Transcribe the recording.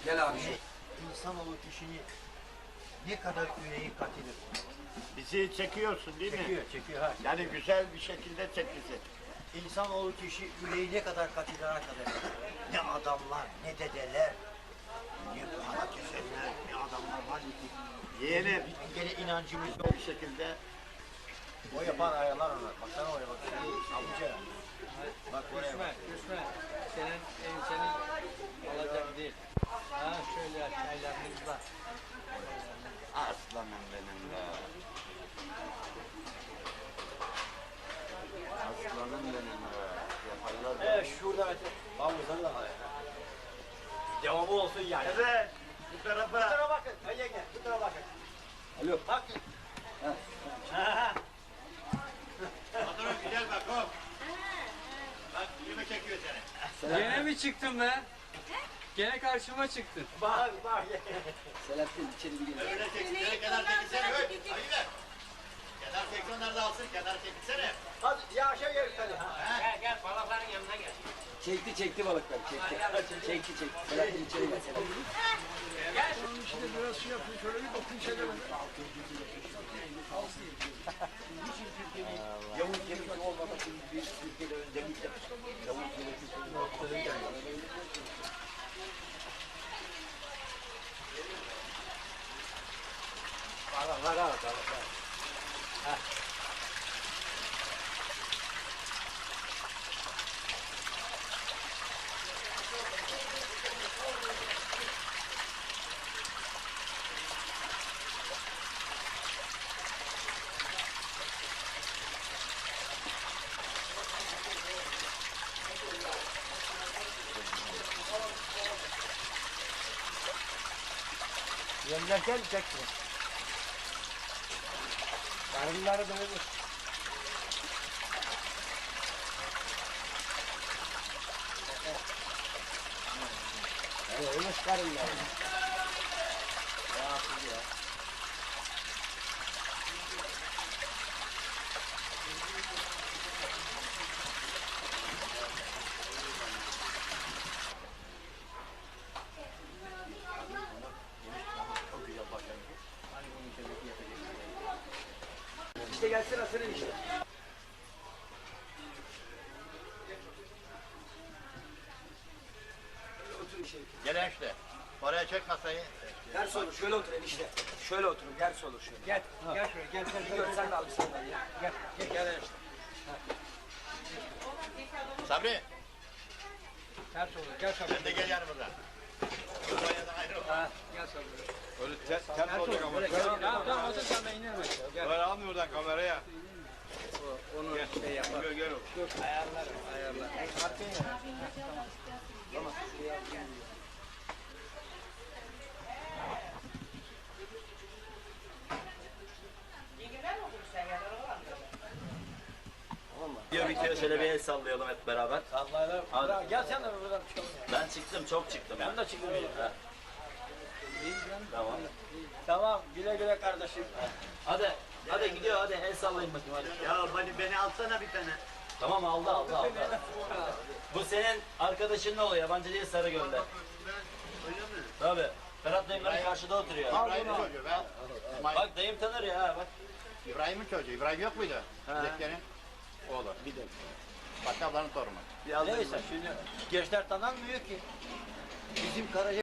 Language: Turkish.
Gel abi. İnsanoğlu kişini ne kadar yüreği katilir. Bizi çekiyorsun değil mi? Çekiyor ha. Yani güzel bir şekilde çek bizi. İnsanoğlu kişi yüreği ne kadar katilir arkadaşlar. Ne adamlar, ne dedeler, ne para kesenler, ne adamlar var ki. Yeğenim Gene inancımız yok. bir şekilde O yapan ayarlar onlar. Baksana oraya bak. Amca. Bak oraya Düşme, bak. düşme. Senin alacak değil. Ha şöyle çaylarımızda. aslanım benim be. Aslanım benim be. Yaparlar da. Şurada Mete. Havuzdan da var. Devamı olsun yani. Evet. Bu tarafa. Bu tarafa bakın. Ay yenge. Bu tarafa bakın. Alo. Bakın. Patron güzel bak hop. Bak yüzüme çekiyor seni. Gene mi çıktın be? Gene karşıma çıktın. Bak. Selahattin içeri bir gel. Öyle çeksin. Kenar çekilsene. Hayır be. Kenar çeksin onlar da alsın. Kenar çekilsene. Hadi yavaşa gel hadi. Gel balıkların yanına gel. Çekti balıkları, çekti. Selahattin içeri gel. Yavuz Yemek'in olmamak için bir Türkiye'de öncelikle Yavuz Yemek'in ortadan Var. Yemlerken çeksin. Karınları böyle. Ölmüş karınlar. Ya. Çok güzel başlamış. Hani bunun içindeki yapacak. İşte gelsin asırın işte. Otur içeri. Gel işte. Oraya çek masayı. Ders olur, şöyle otur enişte. Şöyle oturun, ders olur şöyle. Gel şuraya gel. Sen de al bir sandalye. Gel işte. Sabri. Ters olur. Gel sabır. Sen de gel yanımıza. Kafaya ayrı ol. Gel sabır. Öyle ters olacak ama. Tamam, otur sen de iner aşağı. Gel. Böyle almıyor oradan kameraya. Onu şey yapar. Gel. Ayarlar. Diyor bir kere şöyle bir el sallayalım hep beraber. Sallayalım. Hadi. Gel sen de buradan çıkalım ya. Ben çıktım, çok çıktım. Ben de çıkayım. Ha. Tamam. Tamam güle güle kardeşim. Hadi gidiyor hadi el sallayın bakayım hadi. Ya hadi beni alsana bir tane. Tamam aldı. Bu senin arkadaşın ne oluyor? Yabancı değil Sarıgöl'de. Öyle mi? Tabii. Ferhat dayım benim karşıda oturuyor. İbrahim'in çocuğu. Bak dayım tanır ya ha bak. İbrahim'in çocuğu. İbrahim yok muydu? Zekeri'nin oğlu. Bir de. Fatih ablanın torunu. Neyse şimdi gençler tanınmıyor ki. Bizim Karaca